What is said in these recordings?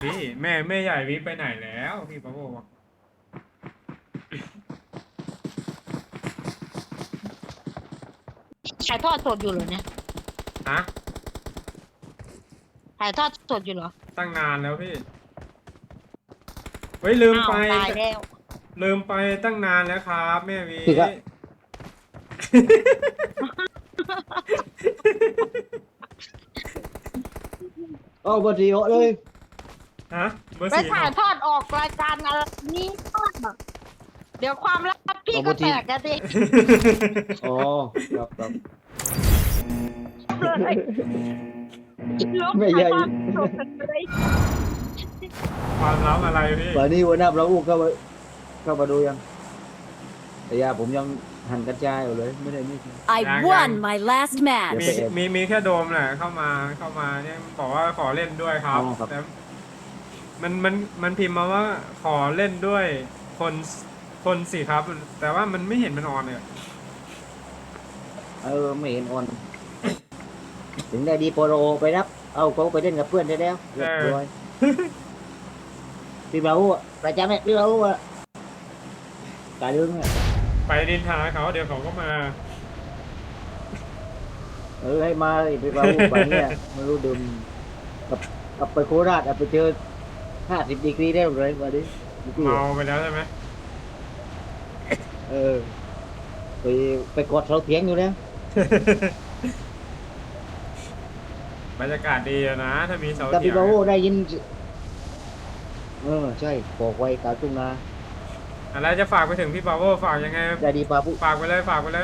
พี่แม่ใหญ่วิไปไหนแล้วพี่ปะโบบอกถ่ายทอดสดอยู่เหรอเนี่ยฮะถ่ายทอดสดอยู่เหรอตั้งนานแล้วพี่เฮ้ยลืมอ้าไปวตายแล้วลืมไปตั้งนานแล้วครับแม่วิพี่ครับ เอาบดีโอเลยฮะเบอร์ไปสี่คถ่ารัยบทอดออกรายการอะไรนี้ทอดอะเดี๋ยวความลับพี่ก็แตกกันดิอ๋อครับครับเลยลบไม่ถ่าใหญ่ยทอดสดเลยความลับอะไรพี่วันนี้หัวหน้าเราอู้เข้ามาดูยังแต่ยาผมยังหั่นกระจายอยู่เลยไม่ได้นี่ I won my last มี match. มีแค่โดมแหละเข้ามาเนี่ยบอกว่าขอเล่นด้วยครับอ๋อครับแต่มันพิมพ์มาว่าขอเล่นด้วยคนสิครับ แต่ว่ามันไม่เห็นมันออนเลยไม่เห็นออนถึงได้ดีโปโลไปรับเอาเขาไปเล่นกับเพื่อนได้แล้วเรียบร้อยพี่เบาอ่ะประจำเนี่ยพี่เบาอ่ะกาเรื่องเนี่ยไปนินทาเขาเดี๋ยวเขาก็มาให้มาพี่เบาไปเนี่ยไม่รู้ดื่มกับไปโคราชไปเจอ50 ดีกรีได้เลยวันนี้เมาไปแล้วใช่ไหมไปไปกดเสาเถียงอยู่แล้วบรรยากาศดีอะนะถ้ามีเสาแต่เถียพี่งบาโวได้ยินใช่บอกไว้กลางทุ่งนาอะไรจะฝากไปถึงพี่ปาโวฝากยังไงได้ดีปาผู้ฝากไปเลยฝากไปเลย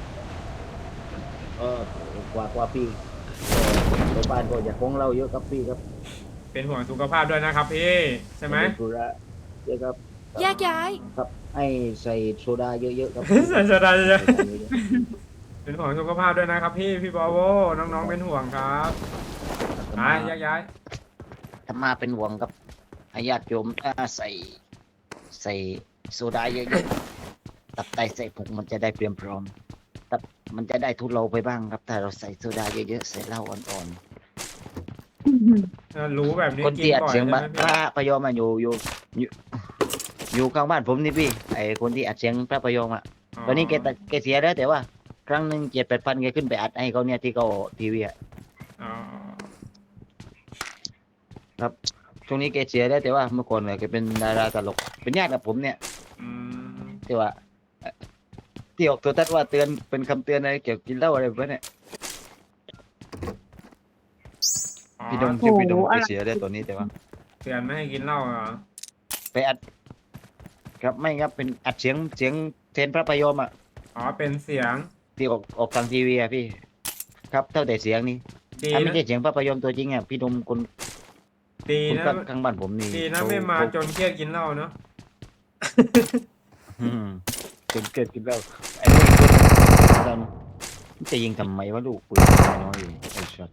เออกว่าพี่ไปบ้านก็อยากของเราเยอะครับพี่ครับเป็นห่วงสุขภาพด้วยนะครับพี่ใช่ไหมธุระเยอะครับแยกย้ายครับให้ใส่โซดาเยอะๆครับใส่สดาใส่เยอะโซดาเยอะๆเป็นห่วงสุขภาพด้วยนะครับพี่ปาโวน้องๆเป็นห่วงครับๆไปย้ายธรรมาเป็นห่วงครับให้ญาติโยมใส่โซดาเยอะๆตับไตใส่พุงมันจะได้เตรียมพร้อมตับมันจะได้ทุเลาไปบ้างครับถ้าเราใส่โซดาเยอะๆใส่เหล้าอ่อนๆรู้แบบนี้คนกินที่อัดบ่อยเสียงใช่ไหมพพี่ระพยอมอยู่ข้างบ้านผมนี่พี่ไอคนที่อัดเสียงพระพยอมตอนนี้แกเสียแล้วแต่ว่าครั้งหนึ่ง7-8 พันแกขึ้นไปอัดให้เขาเนี่ยที่เขาทีวีอ๋อครับช่วงนี้แกเสียแล้วแต่ว่าเมื่อก่อนเนี่ยแกเป็นดาราตลกเป็นญาติกับผมเนี่ยอืมที่ว่าที่ออกตัวทัศน์ว่าเตือนเป็นคำเตือนอะไรเกี่ยวกับกินเหล้าอะไรแบบนี้อ๋อพี่ดมชื่อพี่ดมแกเสียแล้วตอนนี้แต่ว่าเตือนไม่ให้กินเหล้าเหรอไปอัดครับไม่ครับเป็นอัดเสียงเทนพระพยอมอ๋อเป็นเสียงที่ออกทางทีวีพี่ครับเท่าแต่เสียงนี่ดีถ้าไม่นะใช่เสียงพระพยอมตัวจริงพี่ดมคนดีคนนะข้างบ้านผมนี่ดีนะไม่มาจนเครียดกินเหล้าเนาะอืมจนเกิดขึ้นแล้วไอ้พวกนี้ตอนจะยิงทำไมวะลูกปืนน้อยไอ้ช็อต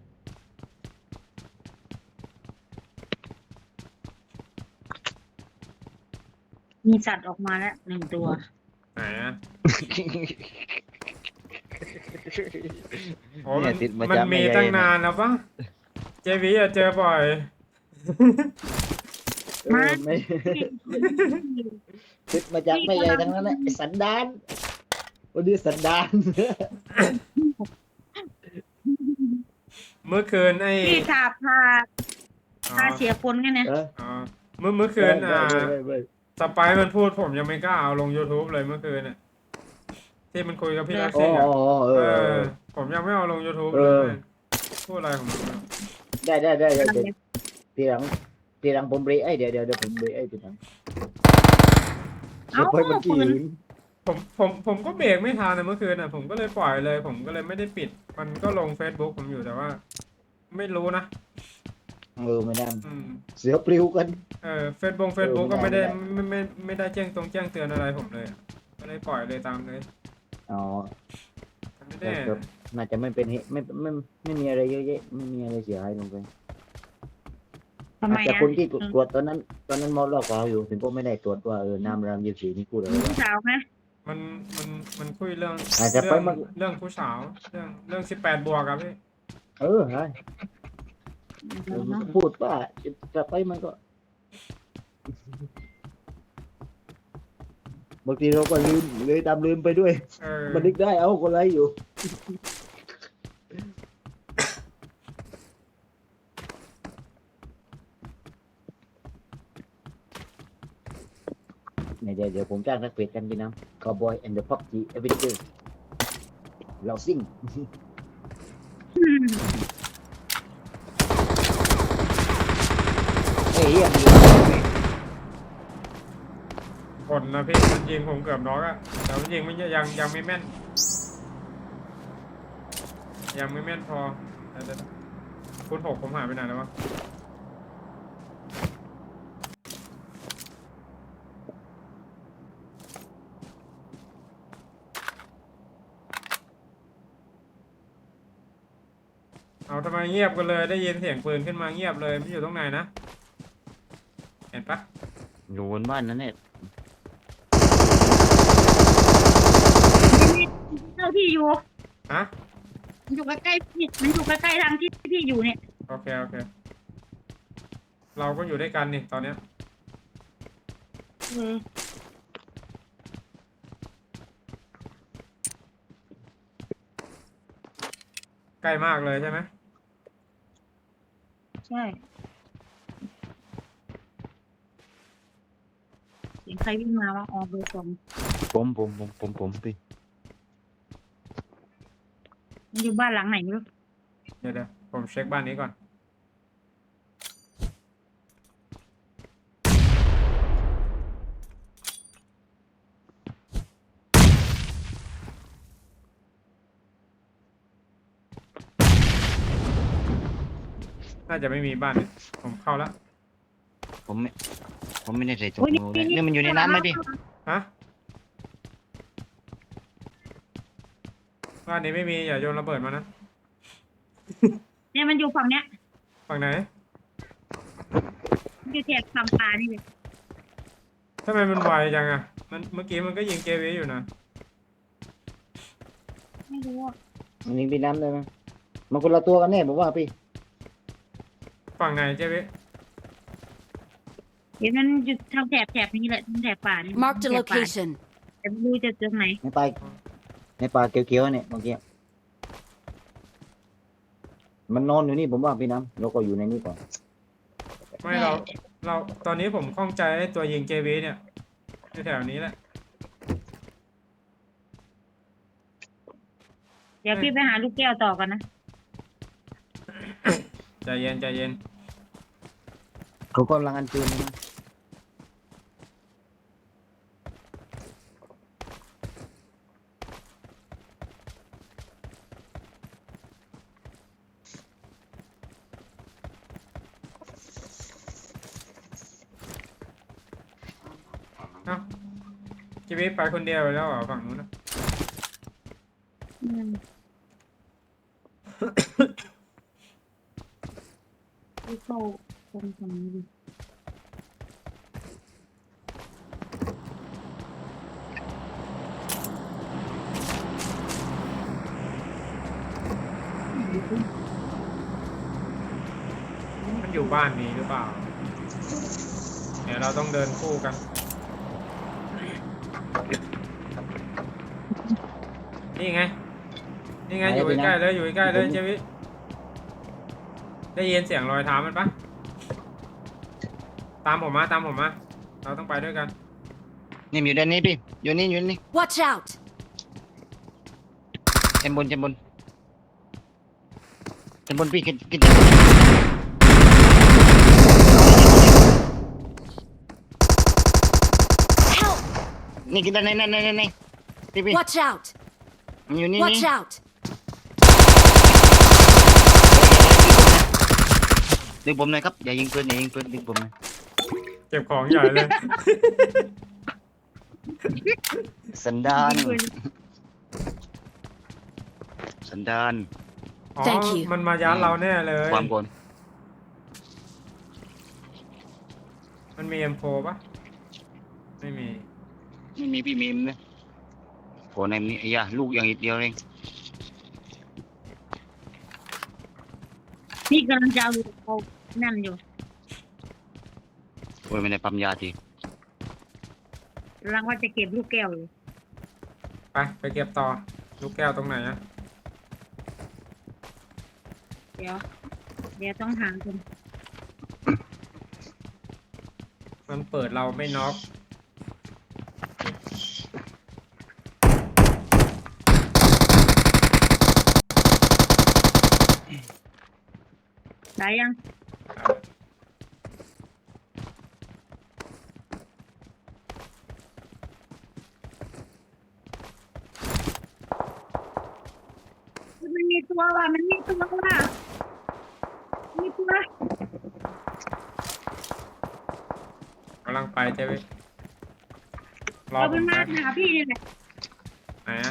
มีสัตว์ออกมาแล้ว1 ตัวไหนอะโอ้เนี่ยติดมามันจากมีแใหญ่ตั้งนานแล้วปะเจวีอะเจอบ่อยไม่ ติดมาจากไม่ใหญ่ทั้งนั้นแหละไอ้สันดานวันนี้สันดานเมื่อคืนไอ้พี่พาอ๋อเสียคนกันเนี่ยอ๋อเมื่อคืนสไปร์มันพูดผมยังไม่กล้าเอาลง YouTube เลยเมื่อคืนน่ะที่มันคุยกับพี่ลักอ๋อซี่อะเออผมยังไม่เอาลง YouTube เอเลอยพูดอะไรของมันได้ทีหลังผมเบรกเดี๋ยวผมเบรกทีหลังเอ้าไปมันกี่ปืนหืนผมก็เบรกไม่ทันนะเมื่อคืนน่ะผมก็เลยปล่อยเลย ผมก็เลยไม่ได้ปิด มันก็ลง Facebook ผมอยู่แต่ว่า ไม่รู้นะไม่ได้อืมเสือปลิวกัน Facebook ไม่ก็ไม่ได้ได้ไม่ได้แจ้งเตือนอะไรผมเลยอะก็เลยปล่อยเลยตามเลยอ๋อมันไม่ได้ครับน่าจะไม่เป็นเหตุไม่มีอะไรเยอะแยะไม่มีอะไรเสียหายลงไปทำไมแต่อ่ะคนที่ตรวจตอนนั้นมอลล์ขาวอยู่ถึงก็ไม่ได้ตรวจว่าน้ำราม24นี่พูดอะไรผู้สาวไหมมันคุยเรื่องอาจจะไปมันเรื่องผู้สาวเรื่อง18 บวกครับพี่ใช่พูดว่าจะไปมันก็บางทีเราก็ลืมเลยตามลืมไปด้วยเออมันนึกได้เอาคนไรอยู่เนี่ยเดี๋ยวผมจ้างนักเพจกันพี่น้ำ Cowboy and the PUBG Adventure เราซิ่งเฮ้ยยังมีคนนะพี่มันยิงผมเกือบน็อกอะแต่มันยิงไม่ยังไม่แม่น ยังไม่แม่นพอเดี๋ยวคุณหกผมหายไปไหนแล้ววะเอาทำไมเงียบกันเลยได้ยินเสียงปืนขึ้นมาเงียบเลยมันอยู่ตรงไหนนะเห็นปะอยู่บนบ้านนั่นเนี่ยเจ้าที่อยู่ฮะมันอยู่ใกล้ๆพี่มันอยู่ใกล้ๆทางที่พี่อยู่เนี่ยโอเคเราก็อยู่ด้วยกันนี่ตอนเนี้ยเออใกล้มากเลยใช่ไหมใช่เสียงใครวิ่งมาวะอ๋อเบอร์สองผมพี่มันอยู่บ้านหลังไหนไม่รู้เดี๋ยวผมเช็คบ้านนี้ก่อนน่าจะไม่มีบ้านนี้ผมเข้าแล้วผมไม่ได้ใส่ถุงมือเลยนี่มันอยู่ในน้ำไหมพี่ฮะบ้านนี้ไม่มีอย่าโยนระเบิดมานะเนี่ยมันอยู่ฝั่งเนี้ยฝั่งไหนมันอยู่แถบคำปลานี่เลยทำไมมันไวจังอะมันเมื่อกี้มันก็ยิงเกวีอยู่นะไม่รู้อ่ะมันยิงพี่น้ำได้ไหมมันคนละตัวกันแน่ผมว่าพี่ฝั่งไหนเจวิเดี๋ยวมันอยู่ทางแถบนี้แหละทางแถบป่านี่ Marked a แถบป่า location. แต่ไม่รู้จะเจอไหนในป่าเขียวๆเนี่ยเมื่อกี้มันนอนอยู่นี่ผมว่าพี่น้ำเราก็อยู่ในนี้ก่อนไม่เราตอนนี้ผมข้องใจไอ้ตัวยิงเกวีเนี่ยที่แถวนี้แหละเดี๋ยวพี่ไปหาลูกแก้วต่อกันนะใจเย็นเขากำลังอันเชิญนะเอ้าเจวิไปคนเดียวแล้วเหรอฝั่งนู้นนะอืมพี่เข้าตรงนี้ดิมันอยู่บ้านนี้หรือเปล่าเดี๋ยวเราต้องเดินคู่กันนี่ไงอยู่ใกล้ๆเลยเจวิได้ยินเสียงรอยเท้ามันปะตามผมมาเราต้องไปด้วยกันนี่อยู่ด้านนี้พี่อยู่นี่ Watch out! ชั้นบนพี่กิน Help! นี่กินด้านในพี่ Watch out! มันอยู่นี่ Watch out! ดึงผมหน่อยครับอย่ายิงปืนดึงผมหน่อยเก็บของใหญ่เลยสันดานอ๋อ Thank you มันมายัดเราแน่เลยความโกรธมันมี M4 ปะไม่มีไม่มีพี่มีมนะโอ้ในนี้ไอ้ยาลูกอย่างอีกเดียวเองพี่กำลังจะเอาเขานั่นอยู่โอ้ยไม่ได้ปั๊มยาทีกำลังว่าจะเก็บลูกแก้วเลยไปเก็บต่อ ลูกแก้วตรงไหนอะเดี๋ยวต้องหาคนมันเปิดเราไม่น็อกได้ยังมันมีตัวว่ะมีตัวกำลังไปเจ๊วิรอเอาผเป็นมมาแป๊บหาพี่นี่แหละไหนอะ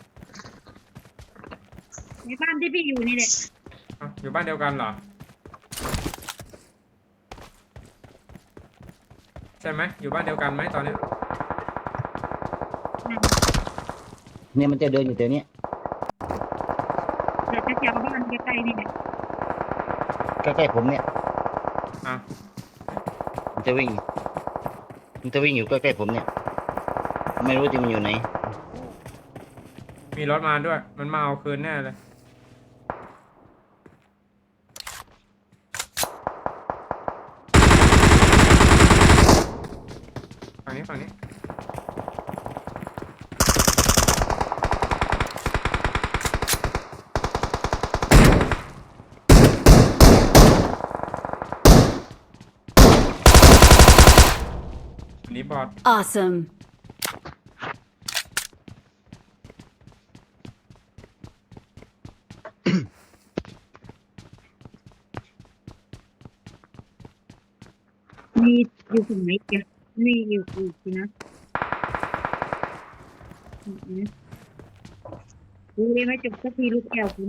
ในบ้านที่พี่อยู่นี่แหละเอ้าอยู่บ้านเดียวกันเหรอ ใช่ไหมอยู่บ้านเดียวกันไหมตอนเนี้ยเนี่ยมันจะเดินอยู่แถวเนี้ยเดี๋ยวจะเอาบ้านใกล้ๆนี่แหละใกล้ๆผมเนี่ยอ่ะมันจะวิ่งอยู่ใกล้ๆผมเนี่ย ไม่รู้จะมันอยู่ไหนมีรถมาด้วย มันมาเอาคืนแน่เลย ฝั่งนี้ อันนี้บอด Awesome. มีอยู่ตรงไหนเดียวนี่อยู่อีกทีนะดูเลยไม่จบสักทีลูกแก้วคุณ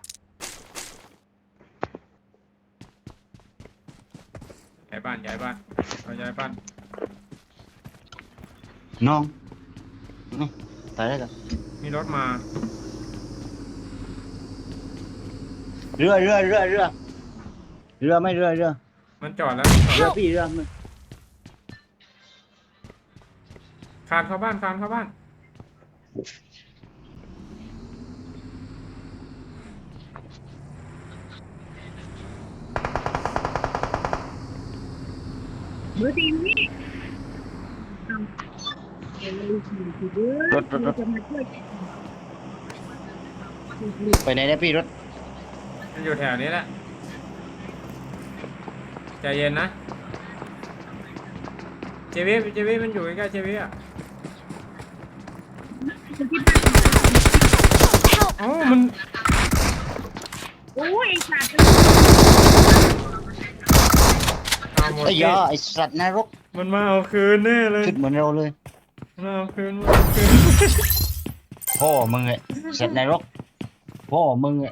ย้ายบ้านเราย้ายบ้านน้องนี่ตายแล้วเหรอมีรถมาเรือไม่เรือมันจอดแล้วเรือพี่เรือมันคานเข้าบ้านเบอร์สี่นี่เอาเดี๋ยวเราดูสิเด้อจะมาช่วยไปไหนเนี่ยพี่รถมันอยู่แถวนี้แหละ ใจเย็นนะ เจวิมันอยู่ใกล้ๆเจวิอ่ะเอ้ามันโอ้ยไอ้สัตว์เอาหมดไอ้ที่ยาไอ้สัตว์นรกมันมาเอาคืนแน่เลยชุดเหมือนเราเลยมันเอาคืนพ่อมึงไงสัตว์นรกพ่อมึงไง